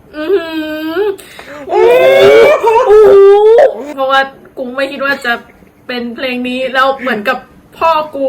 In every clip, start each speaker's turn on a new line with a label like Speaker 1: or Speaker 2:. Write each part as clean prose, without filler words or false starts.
Speaker 1: อือหือโอ้โหเพราะว่ากูไม่คิดว่าจะเป็นเพลงนี้แล้วเหมือนกับพ่อกู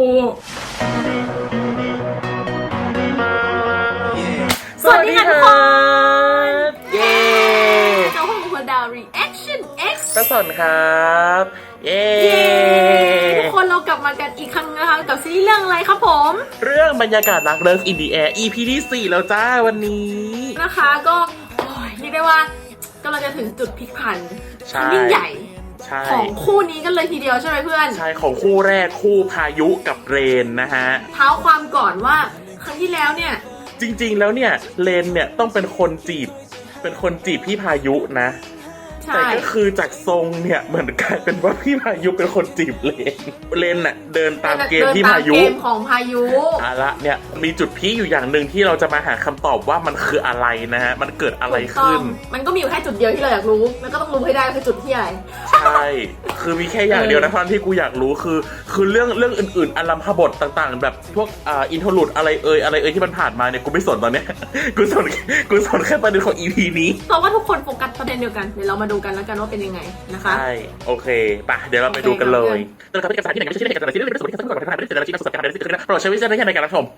Speaker 1: สวัสดีค่ะทุกคน
Speaker 2: เย้
Speaker 1: เจ้าห้องหัวดาว reaction X
Speaker 2: ประสนครับเย้
Speaker 1: ทุกคนเรากลับมากันอีกครั้งนะคะกับซีรีส์เรื่องอะไรครับผม
Speaker 2: เรื่องบรรยากาศรักเลิฟอินดีแอร์ EP ที่ 4 แล้วจ้าวันนี้
Speaker 1: นะคะก็เรียกได้ว่ากำลังจะถึงจุดพลิกผันยิ่งใหญ่ของคู่นี้กันเลยทีเดียวใช่ไหมเพื่อน
Speaker 2: ใช่ของคู่แรกคู่พายุกับเรนนะฮะ
Speaker 1: เท้าความก่อนว่าครั้งที่แล้วเนี่ย
Speaker 2: จริงๆแล้วเนี่ยเรนเนี่ยต้องเป็นคนจีบพี่พายุนะแต่ก็คือจากทรงเนี่ยเหมือนกลายเป็นว่าพี่พายุเป็นคนจีบเลนน่ะเดินตามเกมพี่พายุ
Speaker 1: เกมของพายุ
Speaker 2: ละเนี่ยมีจุดพีคอยู่อย่างหนึ่งที่เราจะมาหาคำตอบว่ามันคืออะไรนะฮะมันเกิดอะไรขึ้น
Speaker 1: มันก็มีอยู่แค่จุดเดียวที่เราอยากรู้แล้วก็ต้องรู้ให้ได้คือจุดที่อะไร
Speaker 2: ใช่คือมีแค่อย่างเดียวนะท่านที่กูอยากรู้คือเรื่องอื่นๆอลัมพบทต่างๆแบบพวกอินโทรลูดอะไรเอ่ยที่มันผ่านมาเนี่ยกูไม่สนตอนเนี้ยกูสนแค่ประเด็นของ EP นี้
Speaker 1: เพราะว่าทุกคนโฟกัสประเด็นเดียวกันเดี๋ยวเรามาดูกันแล้วกันว่าเป็นยังไงนะคะ
Speaker 2: ใช่โอเคป่ะเดี๋ยวเราไปดูกันเลยตัวละครเป็นเอกสารที่ไหนไม่ใช่ที่ไหนกันแต่ที่นี่เป็นส่วนที่สำคัญกว่าขนาดไม่ได้เจอในชีวิตประสบการณ์ใดที่เกิดขึ้นโปรดใช้วิจารณญาณในการรับชม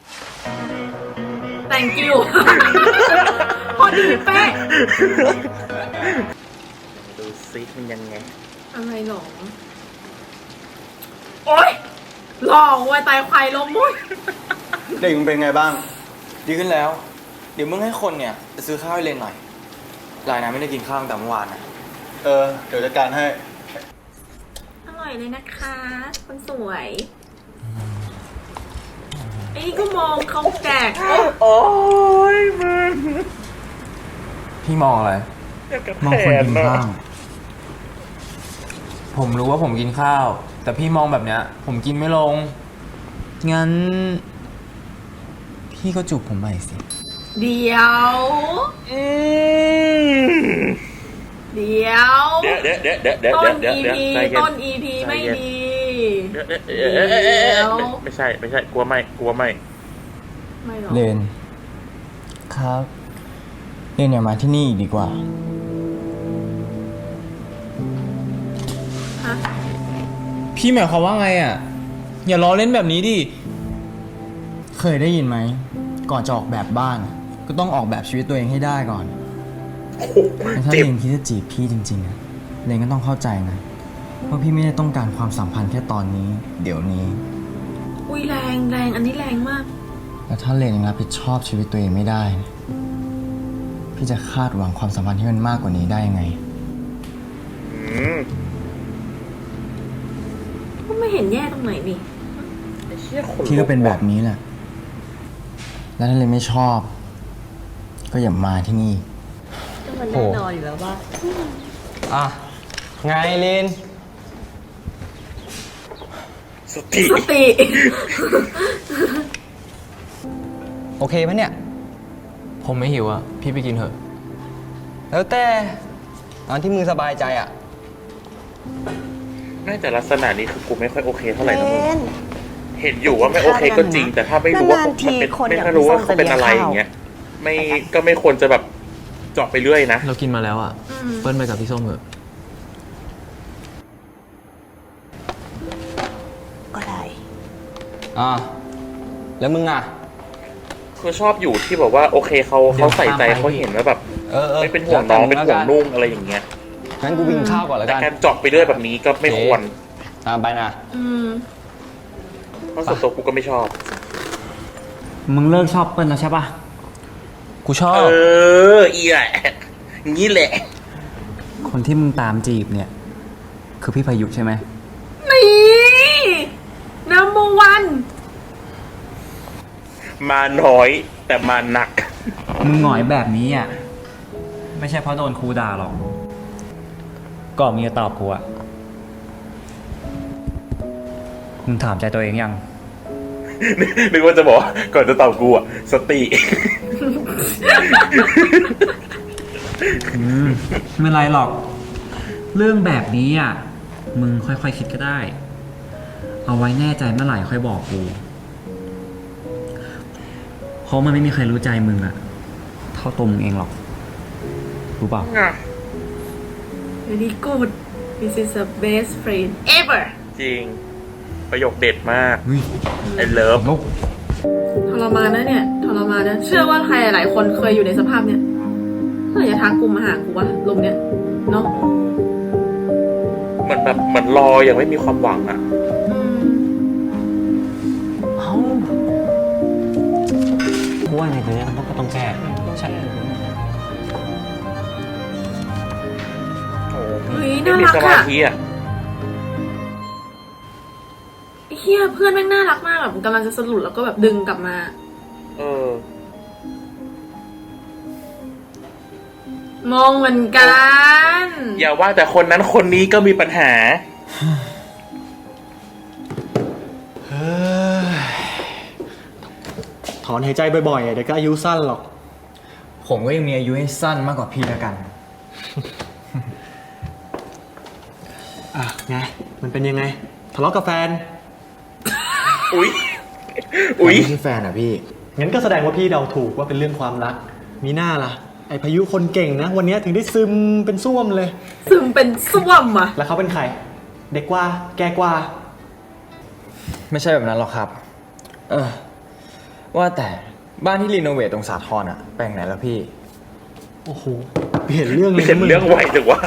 Speaker 1: Thank you พอดีเป๊ะ
Speaker 2: ดูซิมันยังไง
Speaker 1: อะไรหรอโอ๊ยหลอกไว้ตายควายล้มมุ้ย
Speaker 3: เด็กมึงเป็นไงบ้างดีขึ้นแล้วเดี๋ยวมึงให้คนเนี่ยไปซื้อข้าวให้เลนหน่อยลายนะไม่ได้กินข้าวตั้งแต่เมื่อวานนะเดี๋ยวจัดการให้
Speaker 1: อร่อยเลยนะคะคนสวยไอ้ก็มองเขาแจก
Speaker 2: โอ้ยมึง
Speaker 4: พี่มองอะไร
Speaker 2: มองคนกินข้าว
Speaker 4: ผมรู้ว่าผมกินข้าวแต่พี่มองแบบเนี้ยผมกินไม่ลงงั้นพี่ก็จูบผมใหม่สิ
Speaker 1: เดี๋ยวต้น EP ไม่ดี
Speaker 2: ไม่ใช่กลัวไม่
Speaker 1: หรอ
Speaker 4: เลนครับเลนอย่ามาที่นี่อีกดีกว่าพี่หมายความว่าไงอ่ะอย่าล้อเล่นแบบนี้ดิเคยได้ยินไหมก่อนจะออกแบบบ้านก็ต้องออกแบบชีวิตตัวเองให้ได้ก่อนถ้าเลนคิดจะจีบพี่จริงๆอะเลนก็ต้องเข้าใจนะว่าพี่ไม่ได้ต้องการความสัมพันธ์แค่ตอนนี้เดี๋ยวนี้
Speaker 1: อุ้ยแรงอันนี้แรงมาก
Speaker 4: แล้วถ้าเลนยังรับผิดชอบชีวิตตัวเองไม่ได้พี่จะคาดหวังความสัมพันธ์ที่มันมากกว่านี้ได้ยังไง
Speaker 1: ก็ไม่เห็นแย่ตรงไหนนี่
Speaker 4: พี่ก็เป็นแบบนี้แหละแล้วถ้าเลนไม่ชอบก็อย่ามาที่นี่
Speaker 1: ก็มันแน่นอนอยู่แล้วว่า
Speaker 4: ไงเลน
Speaker 2: สติ
Speaker 4: โอเคไหมเนี่ยผมไม่หิวอ่ะพี่ไปกินเถอะ
Speaker 3: แล้วแต่ตอนที่มึงสบายใจอ่ะ
Speaker 2: น่าจะลักษณะนี้คือกูไม่ค่อยโอเคเท่าไหร่นะมึงเห็นอยู่ว่าไม่โอเคก็จริงแต่ถ้าไม่รู้ว่ามันเป็นไม่รู้ว่าเขาเป็นอะไรอย่างเงี้ยไม่ควรจะแบบเจาะไปเรื่อยนะ
Speaker 4: เรากินมาแล้วอ่ะเปิ้ลไปกับพี่ส้มเถอะ
Speaker 1: ก็ได้
Speaker 4: แล้วมึงอ่ะ
Speaker 2: คือชอบอยู่ที่แบบว่าโอเคเขาใส่ใจเขาเห็นว่าแบบไม่เป็นห่วงน้องเป็นห่วงนุ่งอะไรอย่างเงี้ย
Speaker 4: งั้นกูกินข้าวก่อนแล้วกัน
Speaker 2: แต่การเจาะไปเรื่อยแบบนี้ก็ไม่ควร
Speaker 4: ตามไปนะ
Speaker 2: เพราะส่วนตัวกูก็ไม่ชอบ
Speaker 4: มึงเลิกชอบเปิ้ลแล้วใช่ปะกูชอบ
Speaker 2: อีแหละงี้แหละ
Speaker 4: คนที่มึงตามจีบเนี่ยคือพี่พายุใช่ไหม
Speaker 1: นี่number one
Speaker 2: มาน้อยแต่มาหนัก
Speaker 4: มึงหงอยแบบนี้อ่ะไม่ใช่เพราะโดนครูด่าหรอกก่อนมึงจะตอบกูอ่ะมึงถามใจตัวเองยัง
Speaker 2: นึกว่าจะบอกก่อนจะตอบกูอ่ะสติ
Speaker 4: ไม่ไรหรอกเรื่องแบบนี้อ่ะมึงค่อยๆคิดก็ได้เอาไว้แน่ใจเมื่อไหร่ค่อยบอกกูเพราะมันไม่มีใครรู้ใจมึงอ่ะเท่าตัวมึงเองหรอกรู้เปล่า
Speaker 2: อ่ะ
Speaker 1: very good this is the best friend ever
Speaker 2: จริง ประโยคเด็ดมาก
Speaker 4: เฮ้ย
Speaker 2: I love
Speaker 4: ลูก
Speaker 1: ทรมานนะเนี่ยทรมานนะเชื่อว่าใครหลายคนเคยอยู่ในสภาพเนี้ยเมื่อไหร่จะทักกูมาหากูวะลมเนี้ยเนาะ
Speaker 2: เหมือนรอยังไม่มีความหวังอ่ะ
Speaker 1: อืม
Speaker 5: เอ้ากูว่าในตัวเนี้ยมันก็ต้องแก้ใช่
Speaker 2: โอ้
Speaker 1: เฮ้ย
Speaker 2: ไม่
Speaker 1: น่า
Speaker 2: มี
Speaker 1: รัก
Speaker 2: สมา
Speaker 1: อะ
Speaker 2: ธิอ่ะ
Speaker 1: เฮียเพื่อนแม่งน่ารักมากแบบกำลังจะสรุปแล้วก็แบบดึงกลับมา
Speaker 2: เออ
Speaker 1: มองเหมือนกัน
Speaker 2: อย่าว่าแต่คนนั้นคนนี้ก็มีปัญหา
Speaker 6: ถอนหายใจบ่อยๆเดี๋ยวก็อายุสั้นหรอก
Speaker 4: ผมก็ยังมีอายุให้สั้นมากกว่าพี่แล้วกัน
Speaker 6: อ่ะไง มันเป็นยังไง ทะเลาะกับแฟน
Speaker 2: อุ๊ย อุ๊ย
Speaker 4: ไม่ใช่แฟนอ่ะพี่
Speaker 6: งั้นก็แสดงว่าพี่เดาถูกว่าเป็นเรื่องความรัก มีหน้าล่ะ ไอพายุคนเก่งนะ วันนี้ถึงได้ซึมเป็นส้วมเลย
Speaker 1: ซึมเป็นส้วมอ่ะ
Speaker 6: แล้วเขาเป็นใคร เด็กกว่า แก่กว่า
Speaker 4: ไม่ใช่แบบนั้นหรอกครับ ว่าแต่บ้านที่รีโนเวทตรงสาทรอ่ะแปลงไหนแล้วพี่
Speaker 6: โอ้โห เปลี่ยนเรื่องเลย
Speaker 2: เห็น
Speaker 6: นะมึง
Speaker 2: เรื่องไวจังวะ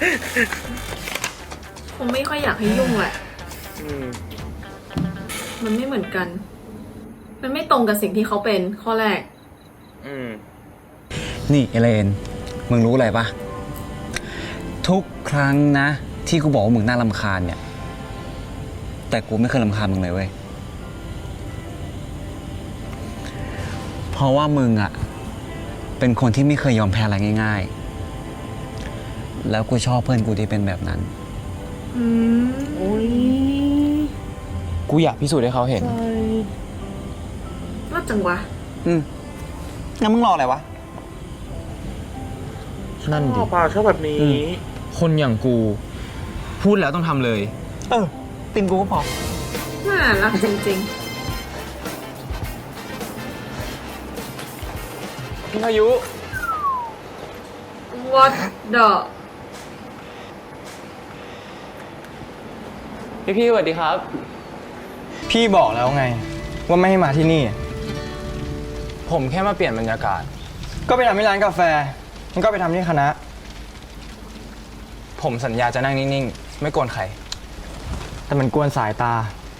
Speaker 1: คงไม่ค่อยอยากให้ยุ่งแหละ
Speaker 2: อืม
Speaker 1: มันไม่เหมือนกัน มันไม่ตรงกับสิ่งที่เขาเป็นข้อแรก
Speaker 2: อืม
Speaker 5: นี่เอเลน มึงรู้อะไรปะทุกครั้งนะ ที่กูบอกว่ามึงน่ารำคาญเนี่ย แต่กูไม่เคยรำคาญมึงเลยเว้ย เพราะว่ามึงอะเป็นคนที่ไม่เคยยอมแพ้อะไรง่ายๆ แล้วกูชอบเพื่อนกูที่เป็นแบบนั้น
Speaker 1: อืม
Speaker 4: กูอยากพิสูจน์ให้เขาเห็น
Speaker 1: รอดจังวะ
Speaker 5: งั้นมึงรออะไรวะ
Speaker 4: นั่น
Speaker 2: ช
Speaker 4: ดิ
Speaker 2: อบป่ะชอบแบบนี้
Speaker 4: คนอย่างกู พูดแล้วต้องทำเลย
Speaker 5: ติมกูก็พอ
Speaker 1: น่ารักจริง
Speaker 4: พี่พายุ
Speaker 1: ๆ What the
Speaker 4: พี่สวัสดีครับ พี่บอกแล้วไง ว่าไม่ให้มาที่นี่ ผมแค่มาเปลี่ยนบรรยากาศ ก็ไปทำที่ร้านกาแฟ มันก็ไปทำที่คณะ ผมสัญญาจะนั่งนิ่งๆ ไม่กวนใคร แต่มันกวนสายตา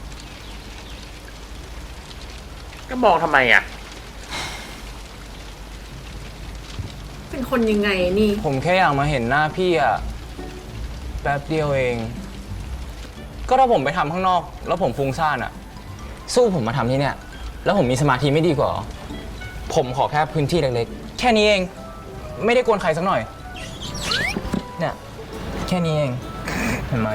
Speaker 2: ก็มองทำไมอ่ะ
Speaker 1: เป็นคนยังไงนี่
Speaker 4: ผมแค่อยากมาเห็นหน้าพี่อะแป๊บเดียวเอง ก็ถ้าผมไปทำข้างนอก แล้วผมฟุ้งซ่านอะสู้ผมมาทำที่เนี่ย แล้วผมมีสมาธิไม่ดีกว่าเหรอผมขอแค่พื้นที่เล็กๆ แค่นี้เอง ไม่ได้กวนใครสักหน่อย เนี่ย แค่นี้เอง เห็นไหม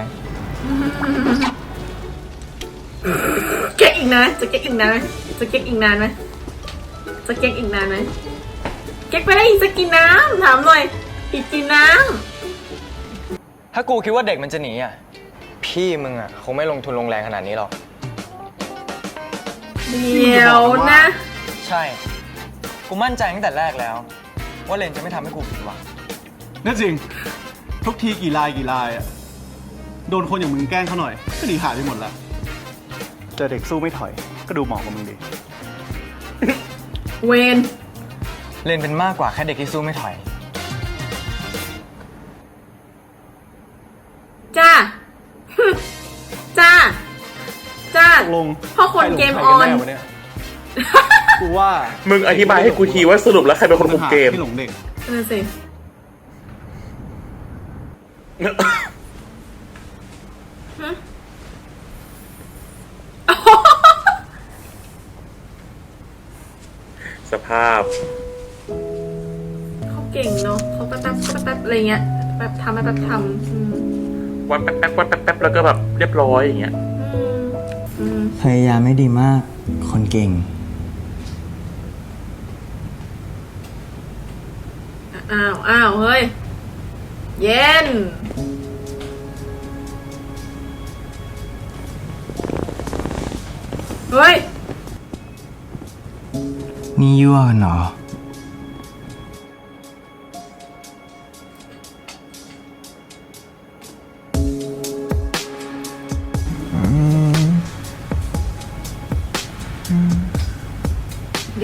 Speaker 1: เก๊กอีกนะ จะเก๊กอีกนานไหมจะเก๊กอีกนานไหมจะเก๊กอีกนานไหมเก๊กไปได้อีกจะกินน้ำถามหน่อย อีกกินน้
Speaker 4: ถ้ากูคิดว่าเด็กมันจะหนีอะพี่มึงอะคงไม่ลงทุนลงแรงขนาดนี้หรอก
Speaker 1: ำเดี๋ยวนะ
Speaker 4: ใช่ กูมั่นใจตั้งแต่แรกแล้ว ว่าเลนจะไม่ทำให้กูผิดหวัง
Speaker 6: นั่นจริง ทุกทีกี่ลายอะโดนคนอย่างมึงแกล้งเขาหน่อย ก็หนีหายไปหมดแล้วเจอเด็กสู้ไม่ถอย ก็ดูเหมาะกับมึงดี
Speaker 1: เวน
Speaker 4: เลนเป็นมากกว่าแค่เด็กที่สู้ไม่ถอย
Speaker 1: จ้า จ้า จ้า
Speaker 6: ตกลง
Speaker 1: พ่อคนเกมออน
Speaker 6: ใครกัแวะเนี่ยกูว่า
Speaker 2: มึงอธิบายให้กูทีว่าสรุปแล้วใครเป็นคนคุมเกม
Speaker 6: ที่หลงเด็ก
Speaker 1: นั่นสิฮะ
Speaker 2: สภาพ
Speaker 1: เขาเก่งเนาะเขาแป๊บอะไรเงี้ยแป๊บทำอืม
Speaker 2: วันแป๊บวันแป๊บแล้วก็แบบเรียบร้อยอย่างเงี้ย
Speaker 1: อืม
Speaker 4: พยายามไม่ดีมาก คนเก่ง
Speaker 1: อ้าวเฮ้ย เย็น เฮ้ย
Speaker 4: นี่ยั่วกันเหรอ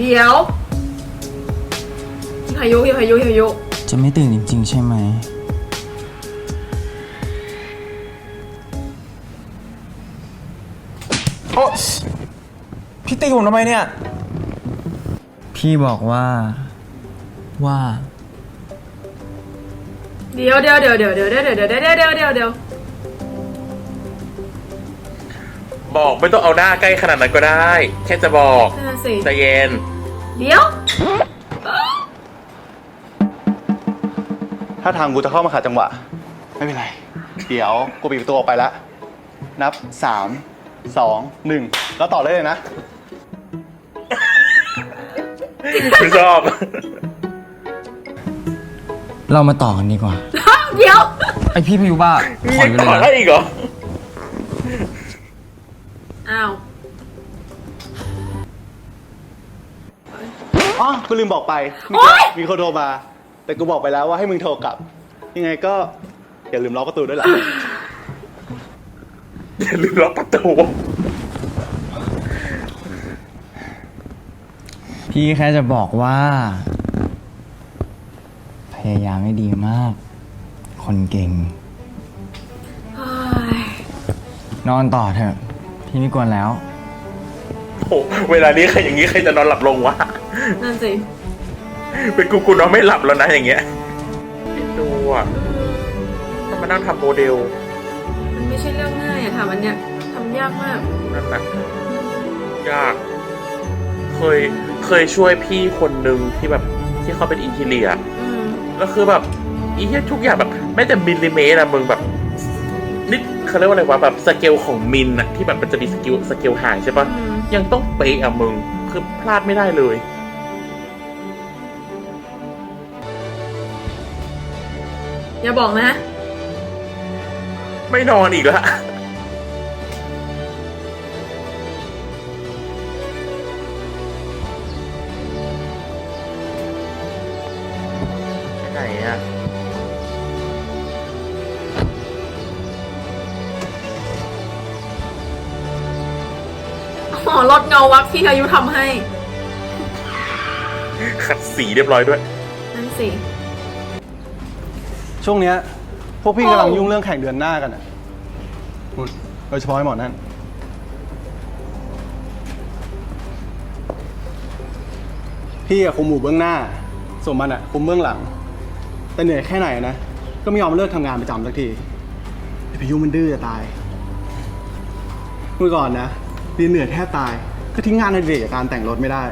Speaker 1: เดี๋ยวพี่พายุพี่พายุพี่พายุ
Speaker 4: จะไม่ตื่นจริง ๆ ใช่ไหม โอ้พี่ตีผมทำไมเนี่ย พี่บอกว่า
Speaker 1: เดี๋ยว
Speaker 2: บอกไม่ต้องเอาหน้าใกล้ขนาดนั้นก็ได้ แค่จะบอก
Speaker 1: นั่นนะสิ
Speaker 2: ใจเย็น
Speaker 1: เดี๋ยว
Speaker 6: ถ้าทางกูจะเข้ามาขัดจังหวะ ไม่เป็นไร เดี๋ยวกูปิดประตูออกไปแล้ว นับ 3 2 1 แล้วต่อได้เลยนะ
Speaker 2: ไม่ชอบ
Speaker 4: เรามาต่อกันดีกว่า
Speaker 1: เดี๋ยว
Speaker 4: ไอพี่พายุบ้า
Speaker 2: มี
Speaker 4: ขออยู่
Speaker 2: ต่อ
Speaker 4: เลย
Speaker 2: ได้
Speaker 4: นะ
Speaker 2: อีกเหรอ
Speaker 1: อ้าว
Speaker 6: อ๋อ กูลืมบอกไป มีคนโทรมา แต่กูบอกไปแล้วว่าให้มึงโทรกลับ ยังไงก็อย่าลืมล็อกประตูด้วยล่ะ
Speaker 2: อย่าลืมล็อกประตู
Speaker 4: พี่แค่จะบอกว่า พยายามให้ดีมาก คนเก่ง
Speaker 1: เฮ้ย
Speaker 4: นอนต่อเถอะ พี่ไม่กวนแล้ว
Speaker 2: โอ้เวลานี้ใครอย่างนี้ใครจะนอนหลับลงวะ
Speaker 1: นั่นสิ
Speaker 2: เป็นกูนอนไม่หลับแล้วนะอย่างเงี้ยดูอ่ะต้องมานั่งทำโมเดล
Speaker 1: มันไม่ใช่เรื่องง่ายอะทำอันเนี้ยทำยากมาก
Speaker 2: นั่นน่ะยาก เคยช่วยพี่คนหนึ่งที่แบบที่เขาเป็นอินทีเรีย
Speaker 1: อืม
Speaker 2: แล้วคือแบบอีเหี้ยทุกอย่างแบบแม้แต่มิลลิเมตรอะมึงแบบนิดเขาเรียกว่าอะไรวะแบบสเกลของมิลอะที่แบบมันจะมีสเกลห่างใช่ปะ
Speaker 1: อืม
Speaker 2: ยังต้องเป๊ะอะมึงคือพลาดไม่ได้เลย
Speaker 1: อย่าบอกนะ
Speaker 2: ไม่นอนอีกละไปไหนอะ
Speaker 1: อ๋อลดเงาวักที่อายุทำให้
Speaker 2: ขัดสีเรียบร้อยด้วย
Speaker 1: นั่นสิ
Speaker 6: ช่วงเนี้ยพวกพี่กำลังยุ่งเรื่องแข่งเดือนหน้ากันอ่ะนู่นโดยเฉพาะไอ้หมอนั่น พี่อะคุมหมู่เบื้องหน้า ส่วนมันอะคุมเบื้องหลัง แต่เหนื่อยแค่ไหนนะ ก็ไม่ยอมเลิกทำงานประจำสักทีไอ้พายุมันดื้อจะตาย เมื่อก่อนนะเรียนเหนื่อยแทบตาย ก็ทิ้งงานในเด็กจากการแต่งรถไม่ได้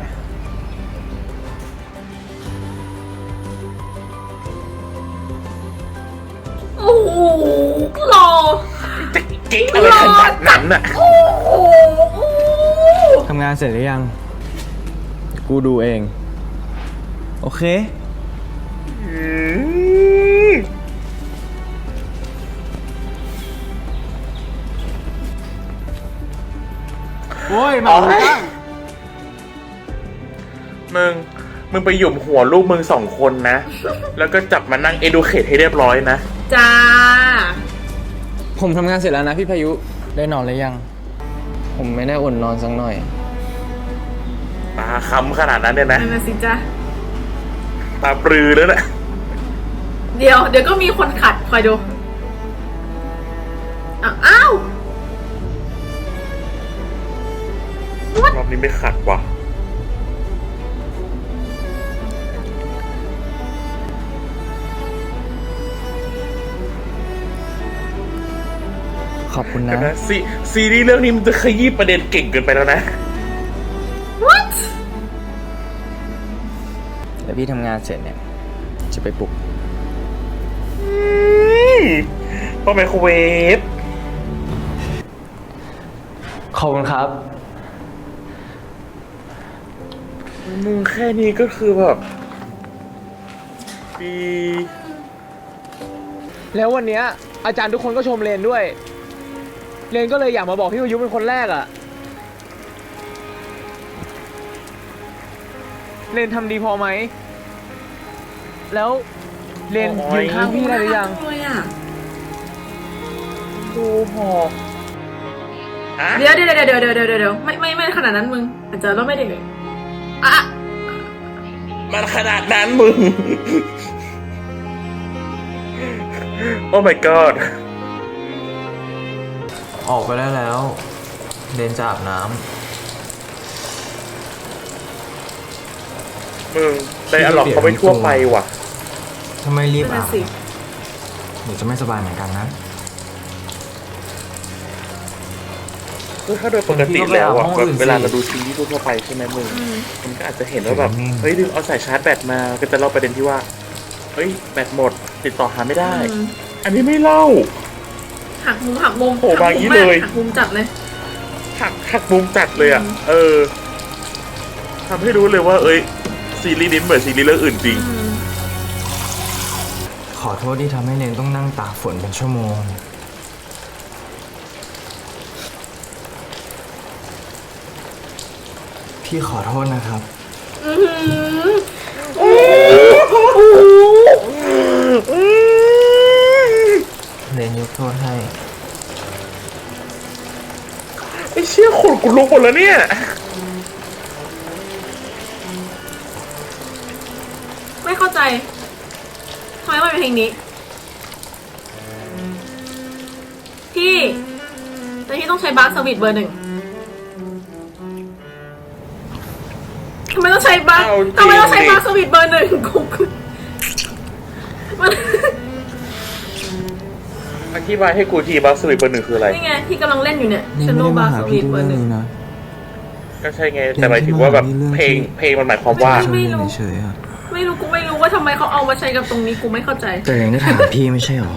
Speaker 1: โอ้โหหล่อ
Speaker 2: จะเก่งอะไรขนาดนั้นอะ
Speaker 1: โอ้โห
Speaker 4: ทำงานเสร็จหรือยัง กูดูเอง โอเค
Speaker 2: อืม
Speaker 6: โอ้ยมาบ้าง
Speaker 2: มึงไปหยุมหัวลูกมึง2 คนนะ แล้วก็จับมานั่งเอดูเคทให้เรียบร้อยนะ
Speaker 1: จ้า
Speaker 4: ผมทำงานเสร็จแล้วนะพี่พายุ ได้นอนหรือยัง ผมไม่ได้อดนอนสักหน่อย
Speaker 2: ตาค้ำขนาดนั้นเนี่ยนะ
Speaker 1: นั่นนะสิจ้า
Speaker 2: ตาปรือแล้วนะ
Speaker 1: เดี๋ยวก็มีคนขัดคอยดู อ้าว
Speaker 2: รอบนี้ไม่ขัดว่ะ
Speaker 4: ขอบคุณนะ
Speaker 2: นะซีรีส์เรื่องนี้มันจะขยี้ประเด็นเก่งเกินไปแล้วนะ
Speaker 1: what
Speaker 4: แล้วพี่ทำงานเสร็จเนี่ย จะไปปลุก
Speaker 2: ป้าไมโครเวฟ
Speaker 4: ขอบคุณครับ
Speaker 2: มึงแค่นี้ก็คือแบบดี
Speaker 7: แล้ววันเนี้ยอาจารย์ทุกคนก็ชมเรนด้วย เรนก็เลยอยากมาบอกพี่วายุเป็นคนแรกอะเรนทำดีพอไหม แล้วเรนยืนข้างพี่ได้หรือยัง
Speaker 1: เลยอ่ะ
Speaker 2: ดูหอกอะ
Speaker 1: เดี๋ยวไม่ขนาดนั้นมึงอาจจะเราไม่ได้เลยอ่ะ
Speaker 2: มันขนาดนั้นมึง โอ้ my god
Speaker 3: ออกไปได้แล้ว เรนจะอาบน้
Speaker 2: มึงไดอะล็อกเขาไม่ทั่วไปว่ะ
Speaker 3: ำถ้าไม่รีบ
Speaker 1: นั่
Speaker 3: อาน บ
Speaker 1: สิ
Speaker 3: เดี๋ยวจะไม่สบายเหมือนกันนะ
Speaker 2: คือถ้าโดยปกติแล้วอะ
Speaker 3: ห้อง
Speaker 2: แบบ
Speaker 3: อื่นสิ
Speaker 2: เวลาเราดูซีรีส์ทั่วไปใช่ไหมมึงมันก็อาจจะเห็นว่าแบบเฮ้ยลืมเอาสายชาร์จแบตมาก็จะเล่าประเด็นที่ว่าเฮ้ยแบตหมดติดต่อหาไม่ได้ อันนี้ไม่เล่า
Speaker 1: หักมุม
Speaker 2: โอ้บางอย่างนี้เลย
Speaker 1: หักมุมจัดเลย
Speaker 2: หักมุมจัดเลยอ่ะทำให้รู้เลยว่า เอ้ยซีรีส์นี้เหมือนซีรีส์เรื่องอื่นจริง
Speaker 3: ขอโทษที่ทำให้เรนต้องนั่งตากฝนเป็นชั่วโมง พี่ขอโทษนะครับ เรนยกโทษให้
Speaker 2: ไอ้เชี่ยขนกูลุกหมดแล้วเนี่ย
Speaker 1: ไม่เข้าใจทำไมมันเป็นเพลงนี้พี่แต่ที่ต้องใช้บาร์สวิตเบอร์หนึ่งทำไมต้องใช้บาร์
Speaker 2: เอาจริง
Speaker 1: ทำไมต้องใช้บาร์สวิตเบอร์หนึ่งกูมัน
Speaker 2: อธิบายให้กูทีบัสสวิตเบอร์หนึ่งคืออะไร
Speaker 1: นี่ไงที่กำลังเล่นอยู่เนี่ย
Speaker 3: เรน
Speaker 1: ชโน
Speaker 3: ไม่ได้
Speaker 1: บา
Speaker 3: มา
Speaker 1: ร์
Speaker 3: หา
Speaker 1: ส
Speaker 3: พี่
Speaker 1: วิต
Speaker 3: ทุก
Speaker 1: เบอ
Speaker 3: เรื่อ
Speaker 1: ร์
Speaker 3: ง
Speaker 1: หนึ่ง
Speaker 3: นี้นะ
Speaker 2: ก็ใช่ไง แต่หมายถึงว่าแบบเพลงมันหมายความว่า
Speaker 3: ช่วยเรนเฉยๆอะ
Speaker 1: กูไม่รู้ว่าทำไมเขาเอามาใช้กับตรงนี้กูไม่เข้าใจ
Speaker 3: แต่เรนก็ถามพี่ไม่ใช่หรอ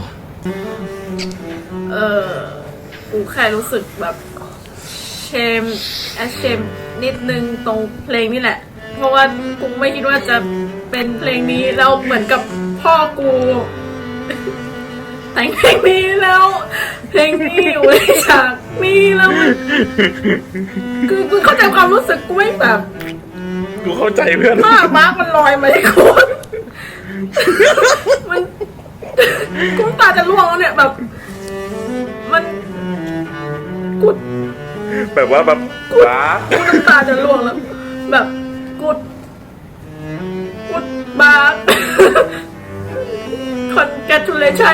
Speaker 1: กูแค่รู้สึกแบบเชมนิดนึงตรงเพลงนี่แหละ เพราะว่ากูไม่คิดว่าจะเป็นเพลงนี้แล้วเหมือนกับพ่อกู แต่งเพลงนี้แล้ว เพลงนี้อยู่ในฉากนี้แล้วมันคือกูเข้าใจความรู้สึกกูไม่แบบ
Speaker 2: กูเข้าใจเพื่อน
Speaker 1: มาร์กมันลอยมาที่กู มันกูน้ำตาจะร่วงแล้วเนี่ยแบบ มันกู
Speaker 2: แบบว่าแบบว้า
Speaker 1: กูน้ำตาจะร่วงแล้ว แบบกูบาร์ congratulation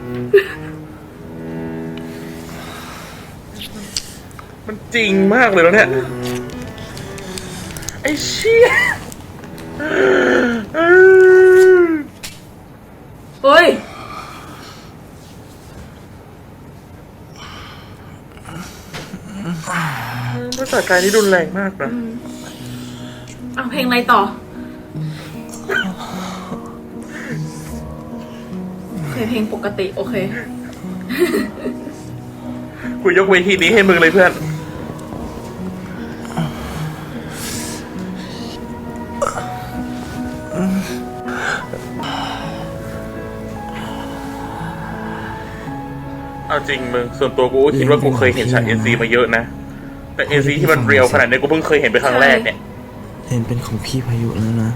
Speaker 2: มันจริงมากเลยแล้วเนี่ย ไอ้เชี่ย
Speaker 1: เฮ้ย
Speaker 2: ภาษาการนี่รุนแรงมากนะ
Speaker 1: เอาเพลงอะไรต่อ โอเคเพลงปกติโอเค
Speaker 2: กูยกเวทีนี้ให้มึงเลยเพื่อน เอาจริงมึง ส่วนตัวกูก็คิดว่ากูเคยเห็นฉาก NC มาเยอะนะ แต่ NC ที่มันเรียลขนาดนี้กูเพิ่งเคยเห็นเป็นครั้งแรกเนี่ย
Speaker 3: เรนเป็นของพี่พายุแล้วนะ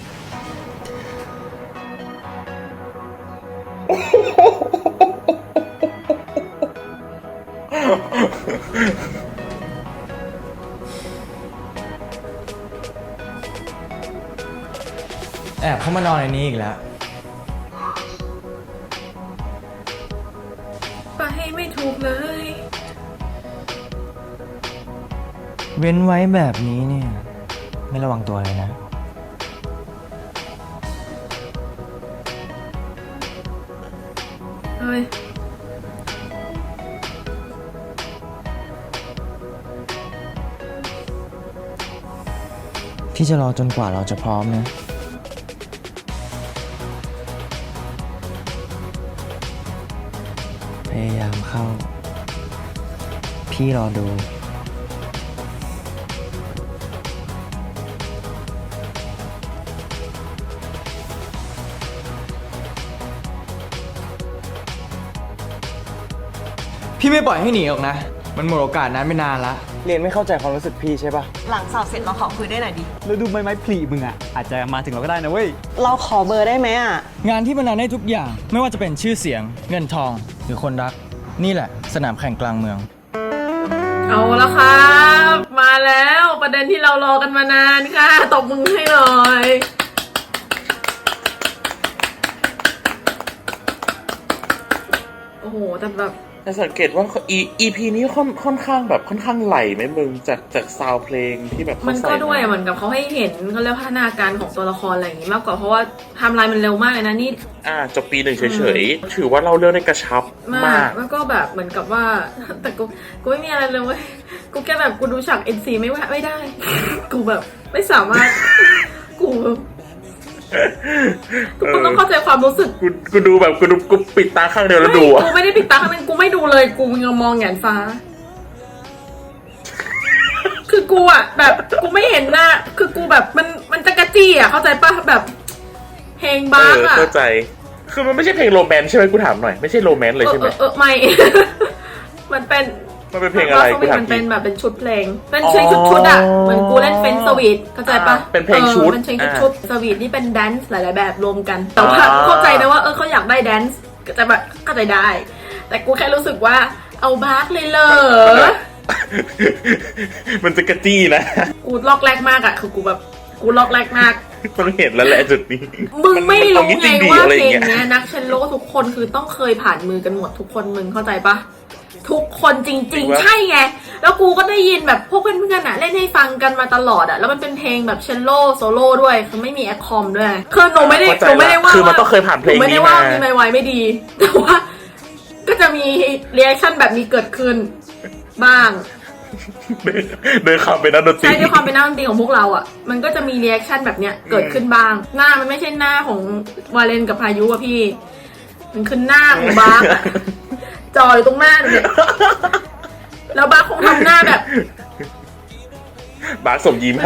Speaker 4: แอบเข้ามานอนในนี้อีกแล้ว
Speaker 1: ไปไม่ถูกเลย
Speaker 3: เว้นไว้แบบนี้เนี่ย ไม่ระวังตัวเลยนะ
Speaker 1: เฮ้ย
Speaker 3: พี่จะรอจนกว่าเราจะพร้อมนะ พยายามเข้า พี่รอดู
Speaker 4: พี่ไม่ปล่อยให้หนีหรอกนะ มันหมดโอกาสนั้นไม่นานละ
Speaker 3: เรียนไม่เข้าใจความรู้สึกพี่ใช่ปะ
Speaker 8: หลังสอบเสร็จเราขอคุยได้หน่อยดิ
Speaker 5: แล้วดูไม้พลีมึงอ่ะ อาจจะมาถึงเราก็ได้นะเว้ย
Speaker 8: เราขอเบอร์ได้ไหมอ่ะ
Speaker 4: งานที่มันนานได้ทุกอย่าง ไม่ว่าจะเป็นชื่อเสียง เงินทอง หรือคนรัก นี่แหละ สนามแข่งกลางเมือง
Speaker 1: เอาละครับ มาแล้วประเด็นที่เรารอกันมานานค่ะตบมือให้หน่อยโอ้โหแต่แบบ
Speaker 2: แต่สังเกตว่าEP นี้ค่อนข้างแบบค่อนข้างไหลไหมมึงจากซาวด์เพลงที่แบบ
Speaker 1: มัน
Speaker 2: เขา
Speaker 1: ก็
Speaker 2: ใส่
Speaker 1: ด้วย
Speaker 2: มา
Speaker 1: เหมือนกับเขาให้เห็นเขาเรียกพัฒนาการของตัวละครอะไรอย่างงี้มากกว่าเพราะว่าไทม์ไลน์มันเร็วมากเลยนะนี่
Speaker 2: จบปีหนึ่งเฉยๆถือว่าเราเรื่องได้กระชับ
Speaker 1: มาม
Speaker 2: าก ก
Speaker 1: แล้วก็แบบเหมือนกับว่า แต่กูไม่มีอะไรเลยเว้ยกูแค่แบบกูดูฉาก NC ไม่ได้ กูแบบไม่สามารถกูทุกคนต้องเข้าใจความรู้สึก
Speaker 2: กูดูแบบกูปิดตาข้างเดียวแล้วดูอะ
Speaker 1: กูไม่ได้ปิดตาข้างนึงกูไม่ดูเลยกูยังมองแหงนฟ้า คือกูอะแบบกูไม่เห็นหน้าคือกูแบบมันจะกระจี้อะเข้าใจปะแบบเพลงบ้าอะ
Speaker 2: เข้าใจ คือมันไม่ใช่เพลงโรแมนต์ใช่ไหมกูถามหน่อยไม่ใช่โรแมนต์เลยใช่ไหม
Speaker 1: ไม่ มันเป็น
Speaker 2: มันเป็นเพลงอะไรกูถาม
Speaker 1: มัน
Speaker 2: ที
Speaker 1: เป็นแบบเป็นชุดเพลงเป็นเพลงชุดอะเหมือนกูเล่นเฟนสวีทเข้าใจปะ
Speaker 2: เป็นเพลงชุด
Speaker 1: เป็นเพลงชุดสวีทนี่เป็นแดนซ์หลายๆแบบรวมกันแต่ว่าเข้าใจนะว่าเขาอยากได้แดนซ์แต่แบบเข้าใจได้ แต่กูแค่รู้สึกว่าเอาบาร์กเลยเหรอ
Speaker 2: มันจะกระจี้นะ
Speaker 1: กูล็อกแรกมากอะคือกูแบบกูล็อกแรกมาก
Speaker 2: ต้องเห็นแล้วแหละจุดนี้
Speaker 1: มึงไม่รู้ไงว่า
Speaker 2: อะไรอ
Speaker 1: เพล
Speaker 2: ย่าง
Speaker 1: ง
Speaker 2: เงี้ย
Speaker 1: เนี้ยนักเชลโลทุกคนคือต้องเคยผ่านมือกันหมดทุกคนมึงเข้าใจปะทุกคนจริงๆ ใช่ไงแล้วกูก็ได้ยินแบบพวกเพื่อนๆอะเล่นให้ฟังกันมาตลอดอะแล้วมันเป็นเพลงแบบเชลโลโซโล่ด้วยคือไม่มีแอคคอมด้วยคือหนูไม่ได้ว่า
Speaker 2: คือมันต้องเคยผ่านเพลง
Speaker 1: หนูไม่ได้
Speaker 2: นี้
Speaker 1: ว่า
Speaker 2: มา
Speaker 1: มีไมค์ไวไม่ดี แต่ว่าก็จะมีเรีแอคชั่นแบบนี้เกิดขึ้นบ้าง
Speaker 2: เดินขับไปนักดนตรี
Speaker 1: ใช่ด้วยความเป็นหน้าดนตรีของพวกเราอ่ะ มันก็จะมีรีแอคชั่นแบบเนี้ยเกิดขึ้นบ้าง หน้ามันไม่ใช่หน้าของวาเลนกับพายุอะพี่ มันคือหน้าของบาร์กอะจออยู่ตรงหน้าเนี่ยแล้วบาร์กคงทำหน้าแบบ
Speaker 2: บาสสมยิ้มให้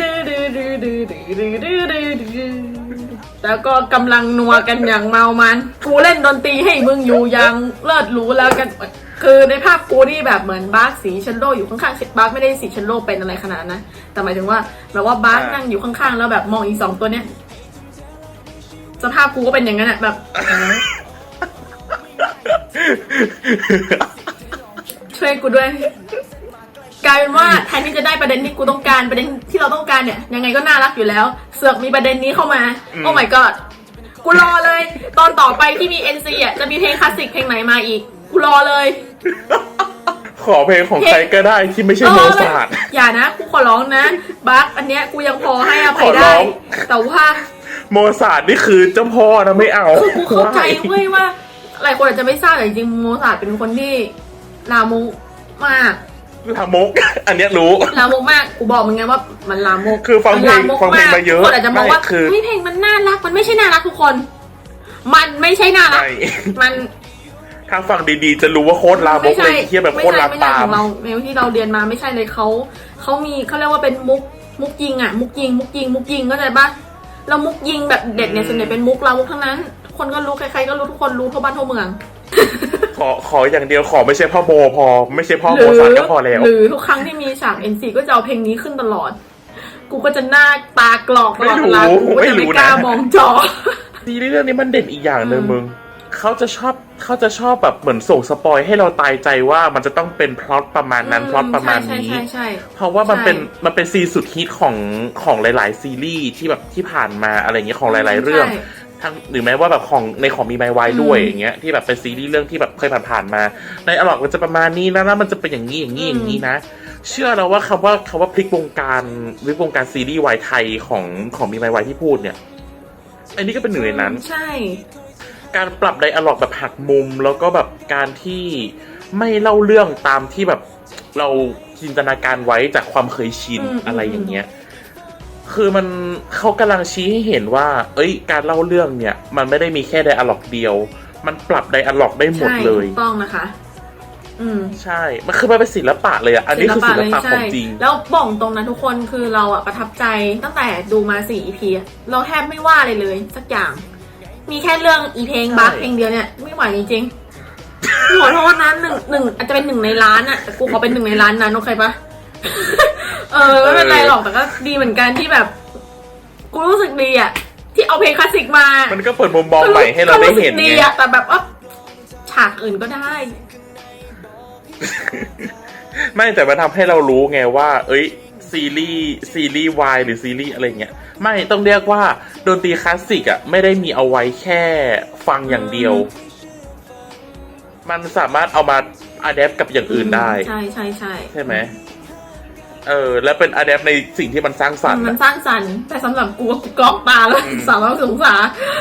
Speaker 1: แล้วก็กำลังนัวกันอย่างเมามัน กูเล่นดนตรีให้มึงอยู่อย่างเลิศหรูแล้วกัน คือในภาพกูนี่แบบเหมือนบาร์กสีเชนโลอยู่ข้างๆบาร์กไม่ได้สีเชนโลเป็นอะไรขนาดนั้นนะแต่หมายถึงว่าแบบว่าบาร์กนั่งอยู่ข้างๆแล้วแบบมองอีสองตัวเนี้ยสภาพกูก็เป็นอย่างนั้นอะแบบ ช่วยกูด้วยกลายเป็นว่าแทนที่จะได้ประเด็นที่กูต้องการประเด็นที่เราต้องการเนี่ยยังไงก็น่ารักอยู่แล้ว เสือกมีประเด็นนี้เข้ามาโอ้ my god กูรอเลย ตอนต่อไปที่มี NC อ่ะจะมีเพลงคลาสสิกเพลงไหนมาอีกกูรอเลย
Speaker 2: ขอเพลงของใครก็ได้ที่ไม่ใช่โมซาร์ท
Speaker 1: อย่านะกูขอร้องนะบัคอันเนี้ยกูยังพอให้อภัย
Speaker 2: ขอร้
Speaker 1: ได้
Speaker 2: อง
Speaker 1: แต่ว่า
Speaker 2: โมซาร์ทนี่คือเจ้าพ่อนะไม่เอา
Speaker 1: คือกูเข้าใจเว้ยว่าหลายคนอาจจะไม่ทราบแต่จริงๆโมซาร์ทเป็นคนที่ลามกมาก
Speaker 2: ลามก อันเนี้ยรู้
Speaker 1: ลามกมาก กูบอกมึงไงว่ามันลามก
Speaker 2: คือฟังเพลง
Speaker 1: มันลามก
Speaker 2: ฟังเพลงมาเยอะ
Speaker 1: ทุกคนอาจจะมองว่า
Speaker 2: ไม่คือ
Speaker 1: เฮ้ยเพลงมันน่ารัก มันไม่ใช่น่ารักทุกคน มันไม่ใช่น่ารัก
Speaker 2: ใช่
Speaker 1: มัน
Speaker 2: ถ้าฟังดีๆ จะรู้ว่าโคตรลามกเลยเทียแบบโคตรลาม
Speaker 1: ไม่ใช่
Speaker 2: ปา
Speaker 1: ข
Speaker 2: ม
Speaker 1: องเราเมลที่เราเรียนมาไม่ใช่เลยเขามีเขาเรียกว่าเป็นมุกยิงอะมุกยิงเข้าใจปะเรามุกยิงแบบเด็ดเนี่ยส่วนใหญ่เป็นมุกเรามุกทั้งนั้นทุกคนก็รู้ใครๆก็รู้ทุกคนรู้ทั่วบ้านทั่วเมือง
Speaker 2: ขออย่างเดียวขอไม่ใช่พ่อโมพอ ไม่ใช่พ่อโมซาร์ทก็พอแล้ว
Speaker 1: หรือทุกครั้งที่มีฉาก NC ก็จะเอาเพลงนี้ขึ้นตลอด กูก็จะหน้าตากรอกตลอดเวลา
Speaker 2: ไม่รู้
Speaker 1: กูก็จะ
Speaker 2: ไม่รู้
Speaker 1: ไม่
Speaker 2: นะ
Speaker 1: กล้ามองจอ
Speaker 2: ซีรีส์เรื่องนี้มันเด่นอีกอย่างหนึ่งมึงเขาจะชอบแบบเหมือนส่งสปอยให้เราตายใจว่ามันจะต้องเป็นพล็อตประมาณนั้นพล็อตประมาณนี้
Speaker 1: ใช่
Speaker 2: เพราะว่ามันเป็น
Speaker 1: ใช่
Speaker 2: มันเป็นซีนสุดฮิตของหลายๆซีรีส์ที่แบบที่ผ่านมาอะไรอย่างเงี้ยของหลาย ๆ เรื่อง
Speaker 1: ใช่
Speaker 2: ทั้งหรือแม้ว่าแบบของมีไมวายด้วยอย่างเงี้ยที่แบบเป็นซีรีส์เรื่องที่แบบเคยผ่านๆมาในอลอกมันจะประมาณนี้นะแล้วมันจะเป็นอย่างนี้นะ เชื่อแล้วว่าคำว่าพลิกวงการซีรีส์วายไทยของมีไมวายที่พูดเนี่ยอันนี้ก็เป็นหนึ่งในนั้น
Speaker 1: ใช่
Speaker 2: การปรับไดอะล็อกแบบหักมุมแล้วก็แบบการที่ไม่เล่าเรื่องตามที่แบบเราจินตนาการไว้จากความเคยชินอะไรอย่างเงี้ยคือมันเขากำลังชี้ให้เห็นว่าการเล่าเรื่องเนี่ยมันไม่ได้มีแค่ไดอะล็อกเดียวมันปรับไดอะล็อกได้หมดเลย
Speaker 1: ใช่ถูกต้องนะคะ
Speaker 2: ใช่มันคือมันเป็นศิลปะเลยอ่ะอันนี้คือศิลปะของจริง
Speaker 1: แล้วบอกตรงนะทุกคนคือเราอะประทับใจตั้งแต่ดูมา4 EP อะเราแทบไม่ว่าเลยสักอย่าง มีแค่เรื่องอีเพลงบัคเพลงเดียวเนี่ยไม่ไหวจริงๆขอโทษนะหนึ่งอาจจะเป็น1 ในล้านอะแต่กูขอเป็น1 ในล้านนั้นโอเคปะ ไม่เป็นไรหรอกแต่ก็ดีเหมือนกันที่แบบกูรู้สึกดีอะที่เอาเพลงคลาสสิกมา
Speaker 2: มันก็เปิดมุมมองใหม่ให้เราได้เห็น
Speaker 1: ก็รู้สึกดี
Speaker 2: ไง
Speaker 1: อะแต่แบบว่าฉากอื่นก็ได้
Speaker 2: ไม่แต่มันทำให้เรารู้ไงว่าซีรีส์วายหรือซีรีส์อะไรเงี้ยไม่ต้องเรียกว่าดนตรีคลาสสิกอ่ะไม่ได้มีเอาไว้แค่ฟังอย่างเดียวมันสามารถเอามาอะแดปกับอย่างอื่นได้
Speaker 1: ใช่ใช่ใช่
Speaker 2: ใช่ไหมแล้วเป็นอะแดปในสิ่งที่มันสร้างสรรค์
Speaker 1: มัน
Speaker 2: อะ
Speaker 1: สร้างสรรค์แต่สำหรับกูกูกรอกตาแล้วสาวสงสาร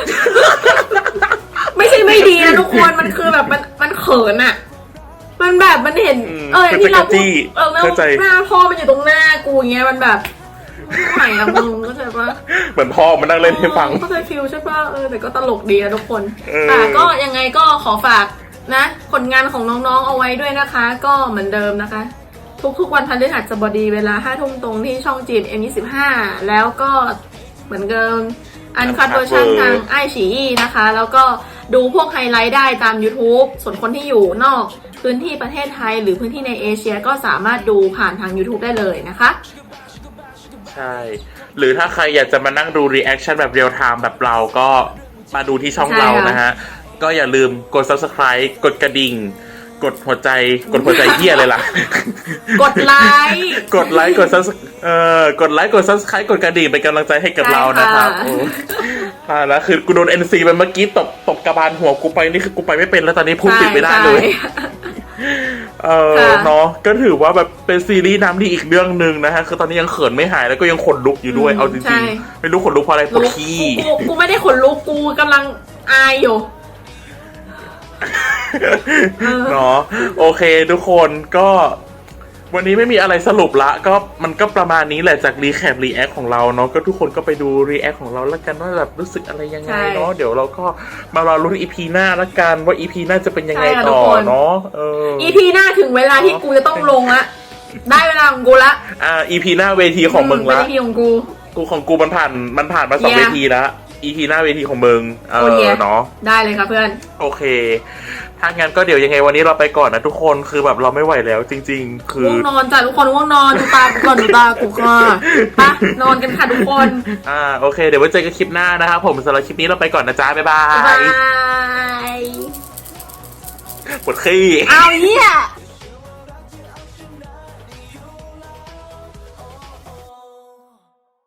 Speaker 1: ไม่ใช่ไม่ดีนะทุกคนมันคือแบบมันเขินอะมันแบบมันเห็นที่เราพูดแล้วหน้าพ่อมันอยู่ตรงหน้ากูอย่างเงี้ยมันแบบไม่ไหวอะมึงเข้าใจปะ
Speaker 2: เหมือนพ่อมานั่งเล่นให้ฟัง
Speaker 1: เข้าใจฟิลใช่ปะแต่ก็ตลกดีนะทุกคน
Speaker 2: เออ
Speaker 1: แต่ก็ยังไงก็ขอฝากนะผลงานของน้องๆเอาไว้ด้วยนะคะ ก็เหมือนเดิมนะคะ ทุกๆวันพฤหัสบดีเวลา 5 ทุ่มตรงที่ช่องจีน M25 แล้วก็เหมือนเดิมอันคัดเวอร์ชันทางไอฉี่นะคะ แล้วก็ดูพวกไฮไลท์ได้ตาม YouTube ส่วนคนที่อยู่นอกพื้นที่ประเทศไทยหรือพื้นที่ในเอเชียก็สามารถดูผ่านทาง YouTube ได้เลยนะคะ
Speaker 2: ใช่ หรือถ้าใครอยากจะมานั่งดูรีแอคชั่นแบบเรียลไทม์แบบเราก็มาดูที่ช่อง
Speaker 1: ใช่
Speaker 2: เรา
Speaker 1: ค่ะ
Speaker 2: นะฮะ ก็อย่าลืมกด subscribe กดกระดิ่ง กดหัวใจเหี้ยเลยล่ะ
Speaker 1: กดไลค์
Speaker 2: กดไลค์กด กดไลค์กด subscribe กดกระดิ่งเป็นกำลังใจให้กับ
Speaker 1: ใช่
Speaker 2: เรานะครับ
Speaker 1: ค่ะ
Speaker 2: โอ้แล้วคือกูโดน NC ไปเมื่อกี้ตบกระบาลหัวกูไปนี่คือกูไปไม่เป็นแล้วตอนนี้พูดติดไม่ได้เลย
Speaker 1: ค่ะ
Speaker 2: เนาะก็ถือว่าแบบเป็นซีรีส์น้ำดีอีกเรื่องหนึ่งนะฮะคือตอนนี้ยังเขินไม่หายแล้วก็ยังขนลุกอยู่ด้วยเอาจ
Speaker 1: ใช่
Speaker 2: ริงๆไม่รู้ขนลุกเพราะอะไรปวดขี้
Speaker 1: กูไม่ได้ขนลุกกูกำลังอายอยู่
Speaker 2: เนาะโอเคทุกคนก็วันนี้ไม่มีอะไรสรุปละก็มันก็ประมาณนี้แหละจากรีแคปรีแอคของเราเนาะก็ทุกคนก็ไปดูรีแอคของเราแล้วกันว่าแบบรู้สึกอะไรยังไงเนาะ
Speaker 1: ใช่
Speaker 2: เดี๋ยวเราก็มารอลุ้นอีพีหน้าละกันว่าอีพีหน้าจะเป็นยังไง
Speaker 1: ใช่ค่ะ
Speaker 2: ต่อ
Speaker 1: ทุกคน
Speaker 2: เนาะ
Speaker 1: EP หน้าถึงเวลาที่กูจะต้องลงละได้เวลาของกูละ
Speaker 2: อีพีหน้าเวทีของมึง
Speaker 1: เป็น
Speaker 2: ละ
Speaker 1: EP ของกู
Speaker 2: ของกูมันผ่านมาสอง
Speaker 1: Yeah
Speaker 2: เวทีแล้วอีพีหน้าเวทีของมึง
Speaker 1: โอเค
Speaker 2: เนาะ
Speaker 1: ได้เลยค่ะเพื่อน
Speaker 2: โอเค ถ้างั้นก็เดี๋ยวยังไงวันนี้เราไปก่อนนะทุกคนคือแบบเราไม่ไหวแล้วจริง ๆ คือ
Speaker 1: ง่วงนอนจ้ะทุกคนง่วงนอนดูตากูก่อนดูตากูค่ะไปะนอนกันค่ะทุกคน
Speaker 2: โอเคเดี๋ยวไว้เจอกันคลิปหน้านะครับผมสำหรับคลิปนี้เราไปก่อนนะจ๊ะบ๊ายบา
Speaker 1: บ๊ายบาย ย
Speaker 2: ปวดขี้
Speaker 1: เอาเหี้ย